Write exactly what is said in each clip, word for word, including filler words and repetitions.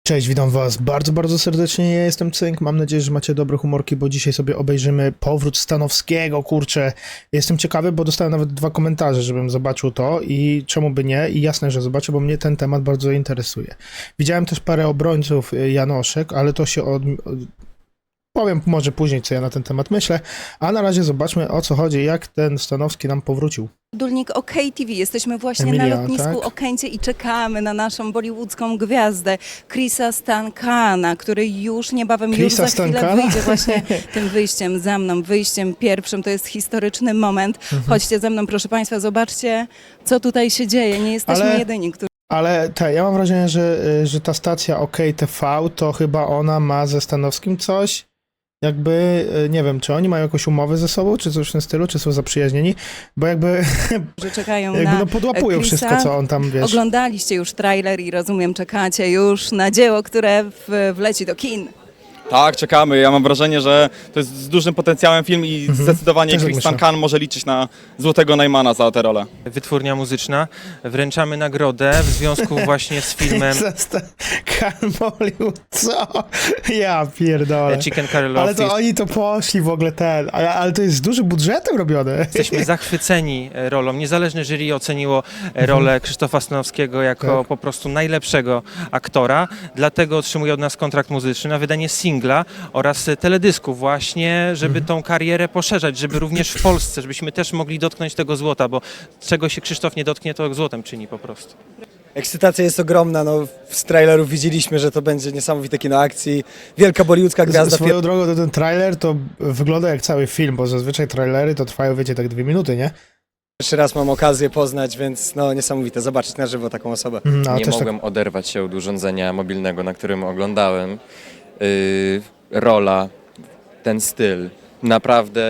Cześć, witam was bardzo, bardzo serdecznie, ja jestem Cynk, mam nadzieję, że macie dobre humorki, bo dzisiaj sobie obejrzymy powrót Stanowskiego, kurczę. Jestem ciekawy, bo dostałem nawet dwa komentarze, żebym zobaczył to i czemu by nie, i jasne, że zobaczę, bo mnie ten temat bardzo interesuje. Widziałem też parę obrońców Janoszek, ale to się od... powiem może później, co ja na ten temat myślę, a na razie zobaczmy, o co chodzi, jak ten Stanowski nam powrócił. Dulnik OK T V. Jesteśmy właśnie Emilia, na lotnisku tak? Okęcie i czekamy na naszą bollywoodzką gwiazdę Chrisa Stankana, który już niebawem, już Chrisa za chwilę Stankana? wyjdzie właśnie tym wyjściem za mną, wyjściem pierwszym. To jest historyczny moment. Mhm. Chodźcie ze mną, proszę Państwa, zobaczcie, co tutaj się dzieje. Nie jesteśmy Ale- jedyni, którzy... Ale te, ja mam wrażenie, że, że ta stacja OK T V, to chyba ona ma ze Stanowskim coś, jakby, nie wiem, czy oni mają jakąś umowę ze sobą, czy coś w tym stylu, czy są zaprzyjaźnieni, bo jakby, że czekają jakby na no podłapują Chrisa. wszystko, co on tam, wiesz. Oglądaliście już trailer i rozumiem, czekacie już na dzieło, które w, wleci do kin. Tak, czekamy. Ja mam wrażenie, że to jest z dużym potencjałem film i zdecydowanie Też tak Chris myślę. Stankan może liczyć na złotego Najmana za tę rolę. Wytwórnia muzyczna. Wręczamy nagrodę w związku właśnie z filmem Hollywood, co? Ja pierdolę. Chicken Curry Love Ale to Feast. oni to poszli w ogóle ten, ale, ale to jest z dużym budżetem robione. Jesteśmy zachwyceni e, rolą. Niezależne jury oceniło e, rolę Krzysztofa Stanowskiego jako Tak. po prostu najlepszego aktora, dlatego otrzymuje od nas kontrakt muzyczny na wydanie singla oraz e, teledysku właśnie, żeby tą karierę poszerzać, żeby również w Polsce, żebyśmy też mogli dotknąć tego złota, bo czego się Krzysztof nie dotknie, to złotem czyni po prostu. Ekscytacja jest ogromna, no z trailerów widzieliśmy, że to będzie niesamowite kino akcji, wielka bollywoodzka gwiazda. Swoją drogą to ten trailer to wygląda jak cały film, bo zazwyczaj trailery to trwają, wiecie, tak dwie minuty, nie? Pierwszy raz mam okazję poznać, więc no niesamowite, zobaczyć na żywo taką osobę. Mhm, a Nie też mogłem oderwać się od urządzenia mobilnego, na którym oglądałem. Yy, rola, ten styl. Naprawdę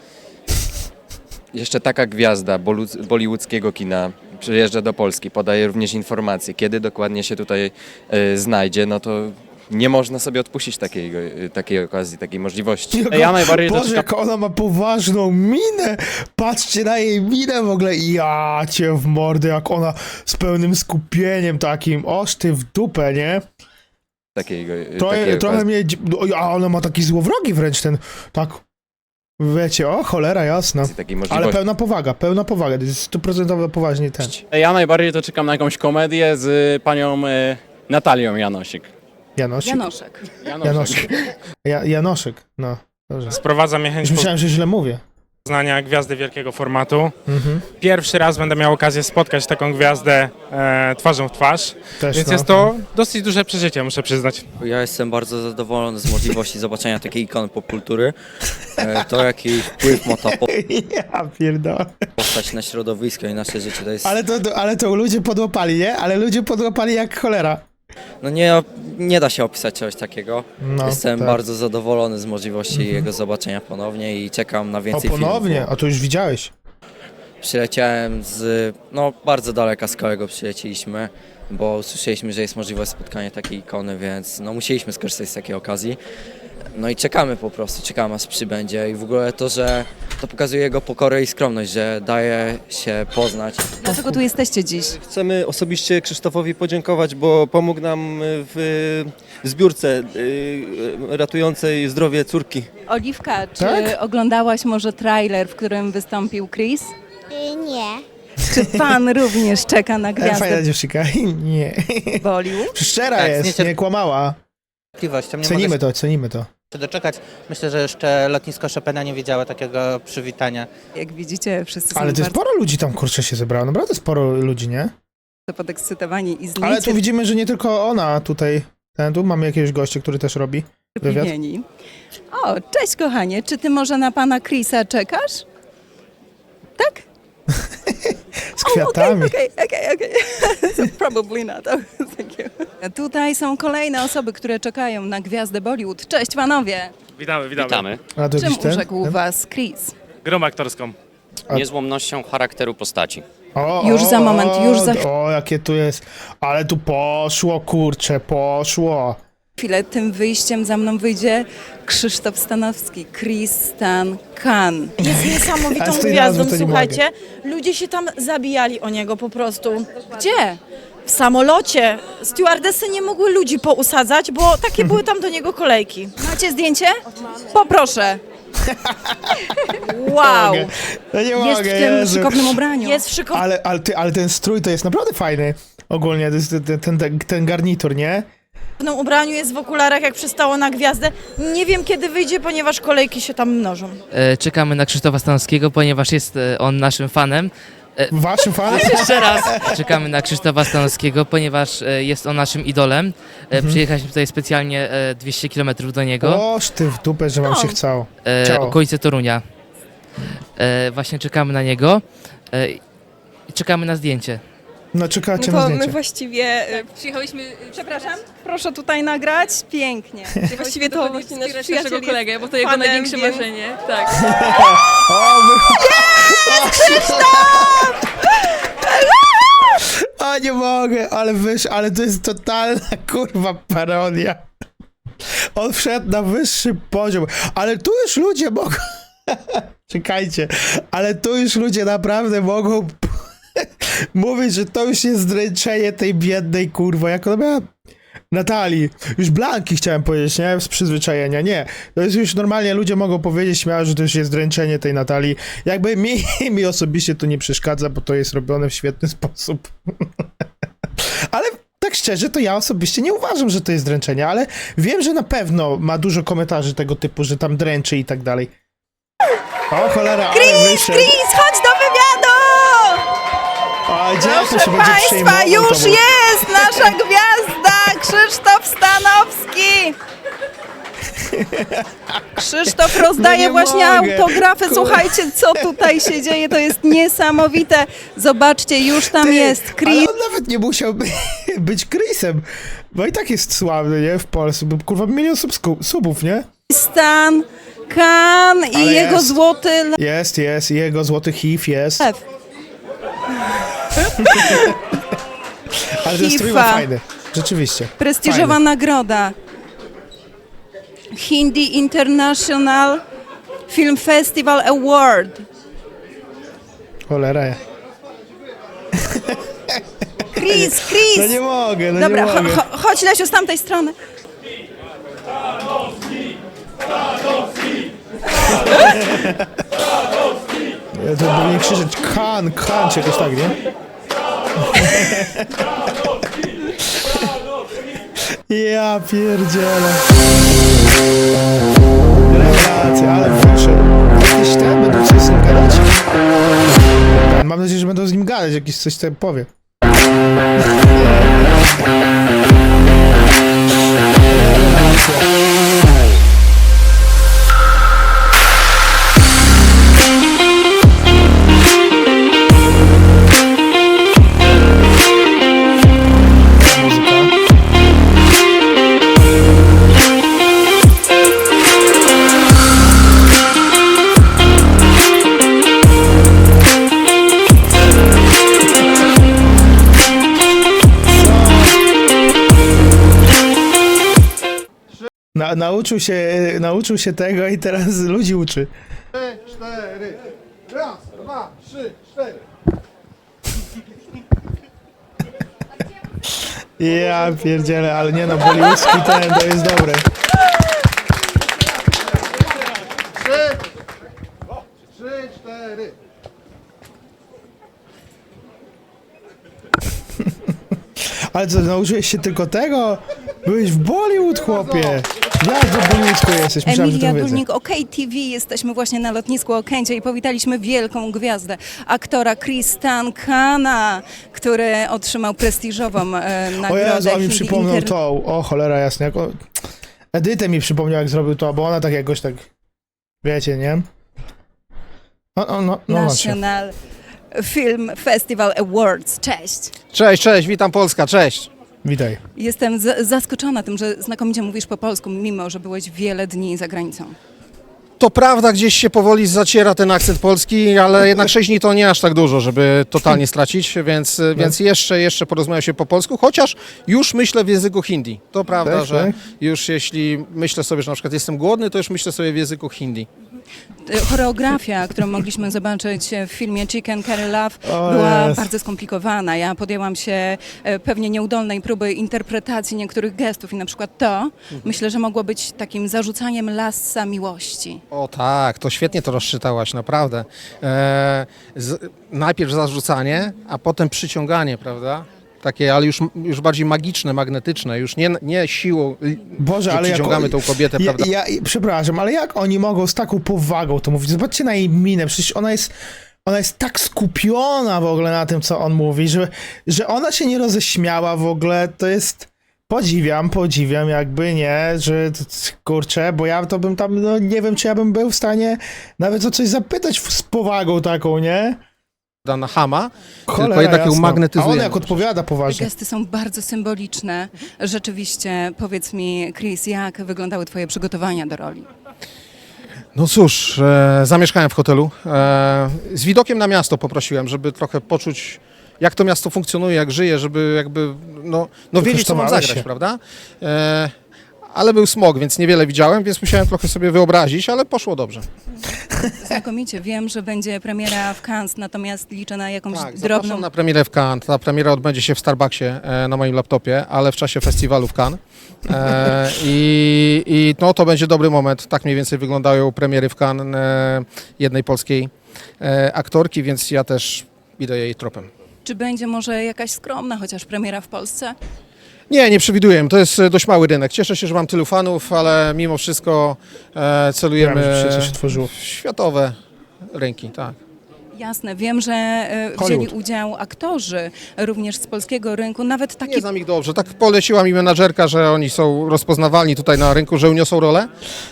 jeszcze taka gwiazda bolu- bollywoodzkiego kina przyjeżdża do Polski, podaje również informacje, kiedy dokładnie się tutaj yy, znajdzie, no to nie można sobie odpuścić takiej, yy, takiej okazji, takiej możliwości. tak... Ja najbardziej to Boże, czekam- jak ona ma poważną minę! Patrzcie na jej minę w ogóle. Ja cię w mordę, jak ona z pełnym skupieniem takim. Oż ty w dupę, nie? Takiej, yy, To, takiej trochę okazji. mnie... dzi- A ona ma taki złowrogi wręcz ten... Tak... Wiecie, o cholera jasna. takiej Ale możliwości. pełna powaga, pełna powaga. To jest stuprocentowo poważnie ten. Ja najbardziej to czekam na jakąś komedię z panią e, Natalią Janosik. Janosik. Janoszek. Janoszek. Ja, Janoszek, no. Dobrze. Sprowadza mnie chęć Już myślałem, że źle mówię. poznania gwiazdy wielkiego formatu. Mhm. Pierwszy raz będę miał okazję spotkać taką gwiazdę e, twarzą w twarz, Też, więc no. jest to dosyć duże przeżycie, muszę przyznać. Ja jestem bardzo zadowolony z możliwości zobaczenia takiej ikony popkultury. E, To, jaki wpływ ma ta Ja pierdolę. postać na środowisko i nasze życie, to jest... Ale to, ale to ludzie podłapali, nie? Ale ludzie podłapali jak cholera. No nie, nie da się opisać czegoś takiego. No, Jestem tak. bardzo zadowolony z możliwości jego zobaczenia ponownie i czekam na O, więcej ponownie? filmów. A to już widziałeś. Przyleciałem z... no bardzo daleka z kolego przyleciliśmy, bo usłyszeliśmy, że jest możliwość spotkania takiej ikony, więc no musieliśmy skorzystać z takiej okazji. No i czekamy po prostu, czekamy aż przybędzie i w ogóle to, że to pokazuje jego pokorę i skromność, że daje się poznać. Dlaczego tu jesteście dziś? Chcemy osobiście Krzysztofowi podziękować, bo pomógł nam w zbiórce y, ratującej zdrowie córki. Oliwka, czy Tak? oglądałaś może trailer, w którym wystąpił Chris? Nie. Czy pan również czeka na E, fajna gwiazdę dziewczyna. Nie. Bollywood? Szczera Tak, jest, niecierp- nie kłamała. Cierpliwością. Nie Cenimy mogę to, cenimy to. się doczekać. Myślę, że jeszcze lotnisko Chopina nie wiedziało takiego przywitania. Jak widzicie, wszyscy są Ale to jest bardzo sporo ludzi tam, kurczę, się zebrało. Naprawdę sporo ludzi, nie? podekscytowani i Ale tu widzimy, że nie tylko ona tutaj. Ten, tu mamy jakiegoś gościa, który też robi wywiad. zniecierpliwieni. O, cześć kochanie, czy ty może na pana Chrisa czekasz? Tak? Z kwiatami. Okej, okej, okej. So probably not. Oh, thank you. Tutaj są kolejne osoby, które czekają na gwiazdę Bollywood. Cześć panowie! Witamy, witamy. Witamy. A to Czym jakiś ten? urzekł ten? was Chris? Grą aktorską. A- Niezłomnością charakteru postaci. O, Już o, za moment, już za O, jakie tu jest. Ale tu poszło, kurczę, poszło. chwilę tym wyjściem za mną wyjdzie Krzysztof Stanowski, Chris Stan Khan. Jest A niesamowitą z tej gwiazdą, nazwy to nie słuchajcie. Ludzie się tam zabijali o niego po prostu. Gdzie? W samolocie stewardessy nie mogły ludzi pousadzać, bo takie były tam do niego kolejki. Macie zdjęcie? Poproszę. Wow. No nie Jest mogę, w tym Jezu. szykownym ubraniu. Jest w szykownym Ale, ale, ty, ale ten strój to jest naprawdę fajny. Ogólnie, to jest ten, ten, ten, ten garnitur, nie? ubraniu, jest w okularach, jak przystało na gwiazdę. Nie wiem, kiedy wyjdzie, ponieważ kolejki się tam mnożą. E, czekamy na Krzysztofa Stanowskiego, ponieważ jest e, on naszym fanem. Waszym fanem? Jeszcze raz. Czekamy na Krzysztofa Stanowskiego, ponieważ e, jest on naszym idolem. E, Mhm. Przyjechaliśmy tutaj specjalnie e, dwieście kilometrów do niego. Oż ty w dupę, że wam No. się chciało. E, Ciało. okolice Torunia. E, właśnie czekamy na niego. E, i czekamy na zdjęcie. No czekacie na zdjęcie. właściwie przyjechałyśmy, przepraszam, proszę tutaj nagrać, pięknie. Właściwie to właśnie nasz przyjaciel kolegę, bo to jego największe marzenie. Tak. O, wy... O, nie mogę, ale wyż, ale to jest totalna kurwa parodia. On wszedł na wyższy poziom, ale tu już ludzie mogą... Czekajcie, ale tu już ludzie naprawdę mogą mówić, że to już jest zdręczenie tej biednej kurwa, jak ona miała... Natalii, już Blanki chciałem powiedzieć, nie? Z przyzwyczajenia, nie. To jest już normalnie, ludzie mogą powiedzieć śmiało, że to już jest dręczenie tej Natalii. Jakby mi, mi osobiście to nie przeszkadza, bo to jest robione w świetny sposób. Ale tak szczerze, to ja osobiście nie uważam, że to jest dręczenie, ale wiem, że na pewno ma dużo komentarzy tego typu, że tam dręczy i tak dalej. O cholera, ale wyszedł. Chris, chodź do wywiadu! O, gdzie to się Proszę będzie Państwa, przejmował już tobą? jest nasza gwiazda, Krzysztof Stanowski! Krzysztof rozdaje No nie właśnie mogę. autografy. Kur- Słuchajcie, co tutaj się dzieje, to jest niesamowite. Zobaczcie, już tam Ty, jest Ale Chris. on nawet nie musiał by, być Chrisem, bo i tak jest sławny, nie? W Polsce, bo kurwa milion subsku- subów, nie? Stan, Kan i Ale jego jest. złoty Jest, jest, i jego złoty H I V jest. lew. Ale ten strój ma Hifa. fajny, rzeczywiście. Prestiżowa Fajny. nagroda. Hindi International Film Festival Award. Cholera. Chris, Chris! No nie mogę, no Dobra, nie cho, mogę. cho, chodź Lesiu z tamtej strony. Ja to powinien krzyczeć kan, kan, czy jakoś tak, nie? Ja pierdzielę. Rewelacja, ale wyszedł. Jakieś te będą coś z nim gadać? Mam nadzieję, że będą z nim gadać, jakieś coś tam powie. Na, nauczył się, nauczył się tego i teraz ludzi uczy. Trzy, cztery. Raz, dwa, trzy, cztery. Ja pierdzielę, ale nie no, bollywoodzki ten, to jest dobre. Trzy, trzy, cztery. Ale co, nauczyłeś się tylko tego? Byłeś w Bollywood, chłopie. Jak do Bollywoodzku jesteś? Myślałem, że to Emilia wiedzę. Górnik, OK T V. Jesteśmy właśnie na lotnisku Okęcie i powitaliśmy wielką gwiazdę, aktora Chris Stankana, który otrzymał prestiżową e, O nagrodę. Jezu, a mi Hindi przypomniał Inter- to. O cholera jasna. Jak on... Edytę mi przypomniał, jak zrobił to, bo ona tak jakoś tak... Wiecie, nie? No, no, no, no macie. National Film Festival Awards. Cześć. Cześć, cześć, witam Polska, cześć. Witaj. Jestem z- zaskoczona tym, że znakomicie mówisz po polsku, mimo że byłeś wiele dni za granicą. To prawda, gdzieś się powoli zaciera ten akcent polski, ale jednak sześć dni to nie aż tak dużo, żeby totalnie stracić, więc, więc jeszcze, jeszcze porozmawiam się po polsku, chociaż już myślę w języku hindi. To prawda, Tak, że tak. już jeśli myślę sobie, że na przykład jestem głodny, to już myślę sobie w języku hindi. E, Choreografia, którą mogliśmy zobaczyć w filmie Chicken Curry Love, O była jest. bardzo skomplikowana. Ja podjęłam się e, pewnie nieudolnej próby interpretacji niektórych gestów i na przykład to, myślę, że mogło być takim zarzucaniem lassa miłości. O tak, to świetnie to rozczytałaś, naprawdę. E, z, najpierw zarzucanie, a potem przyciąganie, prawda? Takie, ale już, już bardziej magiczne, magnetyczne, już nie, nie siłą, Boże, że ale jak przyciągamy oni- tą kobietę, Ja, prawda? ja, przepraszam, ale jak oni mogą z taką powagą to mówić? Zobaczcie na jej minę, przecież ona jest, ona jest tak skupiona w ogóle na tym, co on mówi, że, że ona się nie roześmiała w ogóle, to jest... Podziwiam, podziwiam, jakby nie, że t- t- kurczę, bo ja to bym tam, no nie wiem, czy ja bym był w stanie nawet o coś zapytać w- z powagą taką, nie? Na Hama, Cholera tylko jednak ją jasna. A magnetyzuje. on jak odpowiada Te poważnie. gesty są bardzo symboliczne. Rzeczywiście, powiedz mi, Chris, jak wyglądały twoje przygotowania do roli? No cóż, e, zamieszkałem w hotelu. E, z widokiem na miasto poprosiłem, żeby trochę poczuć, jak to miasto funkcjonuje, jak żyje, żeby jakby, no, no wiedzieć, co mam Wykosztowałeś zagrać, się. prawda? E, ale był smog, więc niewiele widziałem, więc musiałem trochę sobie wyobrazić, ale poszło dobrze. Znakomicie. Wiem, że będzie premiera w Cannes, natomiast liczę na jakąś Tak, drobną... zapraszam na premierę w Cannes. Ta premiera odbędzie się w Starbucksie e, na moim laptopie, ale w czasie festiwalu w Cannes. E, i, I no, to będzie dobry moment. Tak mniej więcej wyglądają premiery w Cannes e, jednej polskiej e, aktorki, więc ja też idę jej tropem. Czy będzie może jakaś skromna chociaż premiera w Polsce? Nie, nie przewiduję. To jest e, dość mały rynek. Cieszę się, że mam tylu fanów, ale mimo wszystko e, celujemy Wiem, że się coś otworzyło. w światowe rynki. Tak. Jasne, wiem, że e, wzięli Hollywood. udział aktorzy również z polskiego rynku, nawet taki... Nie znam ich dobrze. Tak poleciła mi menadżerka, że oni są rozpoznawalni tutaj na rynku, że uniosą rolę.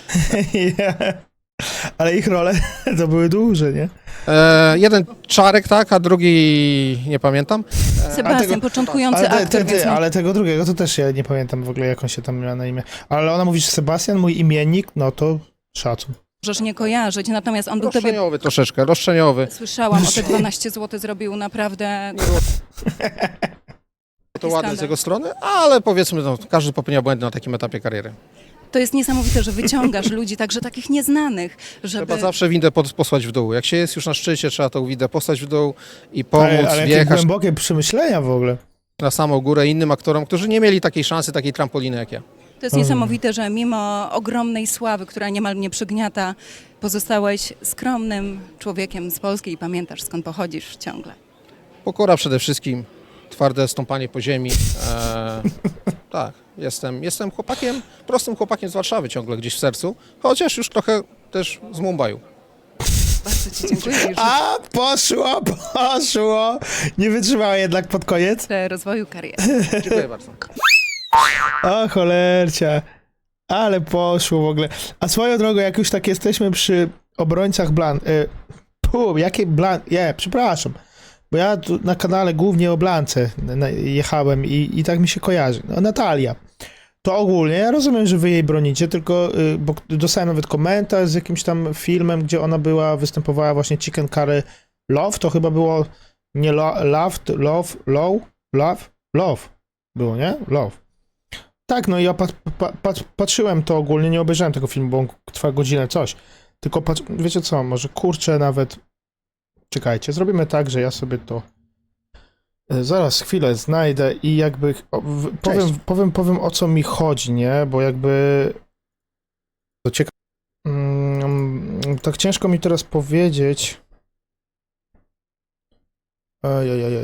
Ale ich role to były duże, nie? E, jeden Czarek, tak, a drugi nie pamiętam. Sebastian, tego- początkujący Ale, te, aktor, te, więc te, nie- ale tego drugiego to też ja nie pamiętam w ogóle, jak on się tam miał na imię. Ale ona mówi, że Sebastian, mój imiennik, no to szacun. możesz nie kojarzyć, natomiast on był tobie... Roszczeniowy troszeczkę, roszczeniowy. Słyszałam, o te dwanaście złotych zrobił naprawdę... To ładne z jego strony, ale powiedzmy, no, każdy popełnia błędy na takim etapie kariery. To jest niesamowite, że wyciągasz ludzi, także takich nieznanych, żeby... Trzeba zawsze windę pod, posłać w dół. Jak się jest już na szczycie, trzeba tą windę posłać w dół i pomóc ale, ale jakie wjechać głębokie przemyślenia w ogóle. na samą górę innym aktorom, którzy nie mieli takiej szansy, takiej trampoliny jak ja. To jest niesamowite, że mimo ogromnej sławy, która niemal mnie przygniata, pozostałeś skromnym człowiekiem z Polski i pamiętasz, skąd pochodzisz ciągle. Pokora przede wszystkim, twarde stąpanie po ziemi. E, tak, jestem, jestem chłopakiem, prostym chłopakiem z Warszawy ciągle gdzieś w sercu, chociaż już trochę też z Mumbaiu. Bardzo ci dziękuję i życzę A, poszło, poszło! Nie wytrzymała jednak pod koniec. rozwoju kariery. Dziękuję bardzo. O, cholercia. Ale poszło w ogóle. A swoją drogą, jak już tak jesteśmy przy obrońcach Blan... Y, pu, jakie Blan... Nie, przepraszam. Bo ja tu na kanale głównie o Blance na- jechałem i, i tak mi się kojarzy. No, Natalia. To ogólnie, ja rozumiem, że wy jej bronicie, tylko, y, bo dostałem nawet komentarz z jakimś tam filmem, gdzie ona była, występowała właśnie Chicken Curry Love, to chyba było nie lo, Love, Love, Low, Love, Love było, nie? Love. Tak, no i ja pat, pat, pat, patrzyłem to ogólnie, nie obejrzałem tego filmu, bo on trwa godzinę, coś. Tylko patrz, wiecie co, może kurczę nawet... Czekajcie, zrobimy tak, że ja sobie to e, zaraz chwilę znajdę i jakby o, w, powiem, powiem, powiem o co mi chodzi, nie? Bo jakby to ciekawe. Mm, tak ciężko mi teraz powiedzieć. Ojej.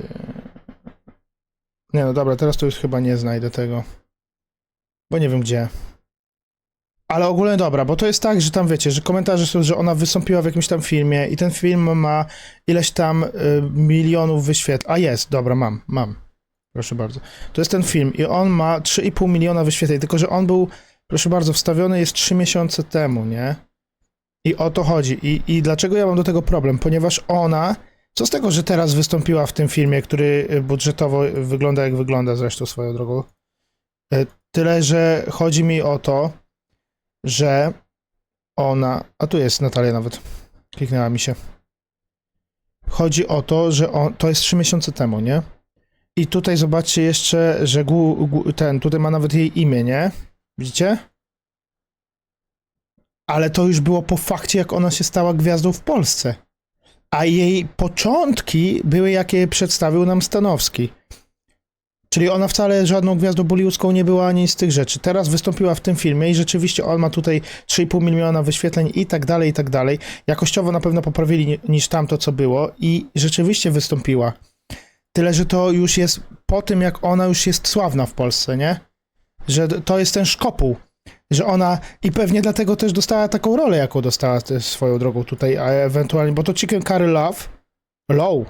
Nie, no dobra, teraz to już chyba nie znajdę tego. Bo nie wiem gdzie. Ale ogólnie dobra, bo to jest tak, że tam wiecie, że komentarze są, że ona wystąpiła w jakimś tam filmie i ten film ma ileś tam y, milionów wyświetleń. A jest, dobra, mam, mam. Proszę bardzo. To jest ten film i on ma trzy i pół miliona wyświetleń, tylko że on był, proszę bardzo, wstawiony jest trzy miesiące temu, nie? I o to chodzi. I, I dlaczego ja mam do tego problem? Ponieważ ona, co z tego, że teraz wystąpiła w tym filmie, który budżetowo wygląda jak wygląda zresztą swoją drogą. Y, Tyle, że chodzi mi o to, że ona... A tu jest Natalia nawet. Kliknęła mi się. Chodzi o to, że on, to jest trzy miesiące temu, nie? I tutaj zobaczcie jeszcze, że gu, gu, ten, tutaj ma nawet jej imię, nie? Widzicie? ale to już było po fakcie, jak ona się stała gwiazdą w Polsce. A jej początki były, jakie przedstawił nam Stanowski. Czyli ona wcale żadną gwiazdą bollywoodzką nie była ani z tych rzeczy. Teraz wystąpiła w tym filmie i rzeczywiście on ma tutaj trzy i pół miliona wyświetleń i tak dalej, i tak dalej. Jakościowo na pewno poprawili ni- niż tamto, co było i rzeczywiście wystąpiła. Tyle, że to już jest po tym, jak ona już jest sławna w Polsce, nie? Że to jest ten szkopuł. Że ona, i pewnie dlatego też dostała taką rolę, jaką dostała też swoją drogą tutaj, a ewentualnie, bo to Chicken Curry Love, Low.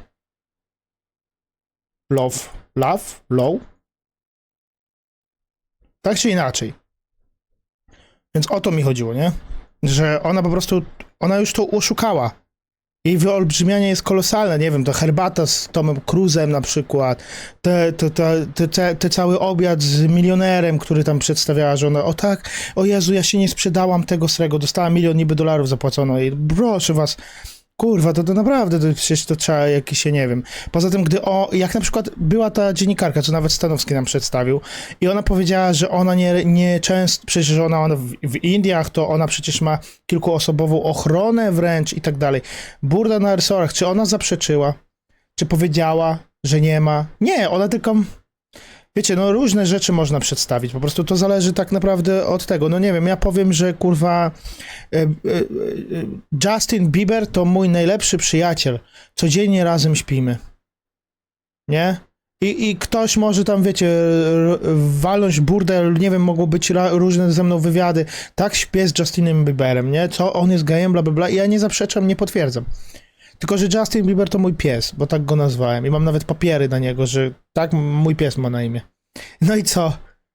Love, Love, Low. Tak czy inaczej. Więc o to mi chodziło, nie? Że ona po prostu, ona już to oszukała. Jej wyolbrzymianie jest kolosalne, nie wiem, to herbata z Tomem Cruzem na przykład, te, te, te, te, te, te cały obiad z milionerem, który tam przedstawiała, że ona, o tak, o Jezu, ja się nie sprzedałam tego srego, dostała milion niby dolarów zapłacono jej, proszę was, kurwa, to, to naprawdę, to przecież to trzeba jakieś, się nie wiem. Poza tym, gdy o, jak na przykład była ta dziennikarka, co nawet Stanowski nam przedstawił i ona powiedziała, że ona nie, nie często, przecież że ona, ona w, w Indiach, to ona przecież ma kilkuosobową ochronę wręcz i tak dalej. Burda na resorach, czy ona zaprzeczyła? Czy powiedziała, że nie ma? Nie, ona tylko... Wiecie, no różne rzeczy można przedstawić, po prostu to zależy tak naprawdę od tego. No nie wiem, ja powiem, że kurwa e, e, e, Justin Bieber to mój najlepszy przyjaciel. Codziennie razem śpimy. Nie? I, i ktoś może tam, wiecie, r- walnąć burdel, nie wiem, mogło być ra- różne ze mną wywiady. Tak śpię z Justinem Bieberem, nie? Co, on jest gejem, bla, bla, bla. I ja nie zaprzeczam, nie potwierdzam. Tylko, że Justin Bieber to mój pies, bo tak go nazwałem. I mam nawet papiery na niego, że tak mój pies ma na imię. No i co?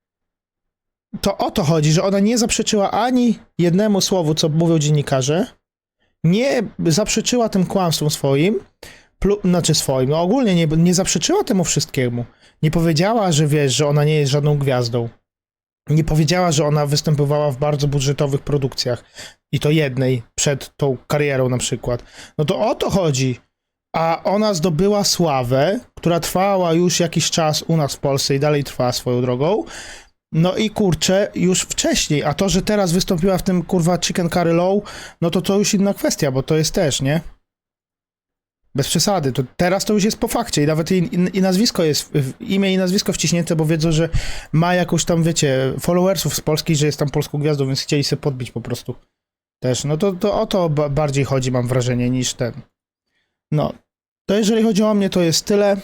To o to chodzi, że ona nie zaprzeczyła ani jednemu słowu, co mówią dziennikarze, nie zaprzeczyła tym kłamstwom swoim, plu, znaczy swoim, no ogólnie nie, nie zaprzeczyła temu wszystkiemu. Nie powiedziała, że wiesz, że ona nie jest żadną gwiazdą. Nie powiedziała, że ona występowała w bardzo budżetowych produkcjach. I to jednej, przed tą karierą na przykład. No to o to chodzi. A ona zdobyła sławę, która trwała już jakiś czas u nas w Polsce i dalej trwa swoją drogą. No i kurczę, już wcześniej. A to, że teraz wystąpiła w tym kurwa Chicken Curry Low, no to to już inna kwestia, bo to jest też, nie? Bez przesady. To teraz to już jest po fakcie i nawet i, i, i nazwisko jest, w, imię i nazwisko wciśnięte, bo wiedzą, że ma jakąś tam, wiecie, followersów z Polski, że jest tam polską gwiazdą, więc chcieli sobie podbić po prostu. Też, no to, to o to ba- bardziej chodzi, mam wrażenie, niż ten. No, to jeżeli chodzi o mnie, to jest tyle.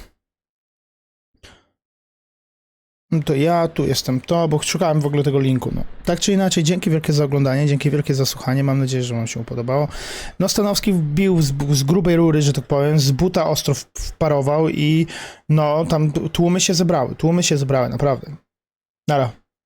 No to ja, tu jestem to, bo szukałem w ogóle tego linku, no. Tak czy inaczej, dzięki wielkie za oglądanie, dzięki wielkie za słuchanie, mam nadzieję, że wam się podobało. No, Stanowski wbił z, z grubej rury, że tak powiem, z buta ostro wparował i no, tam tłumy się zebrały, tłumy się zebrały, naprawdę. Nara.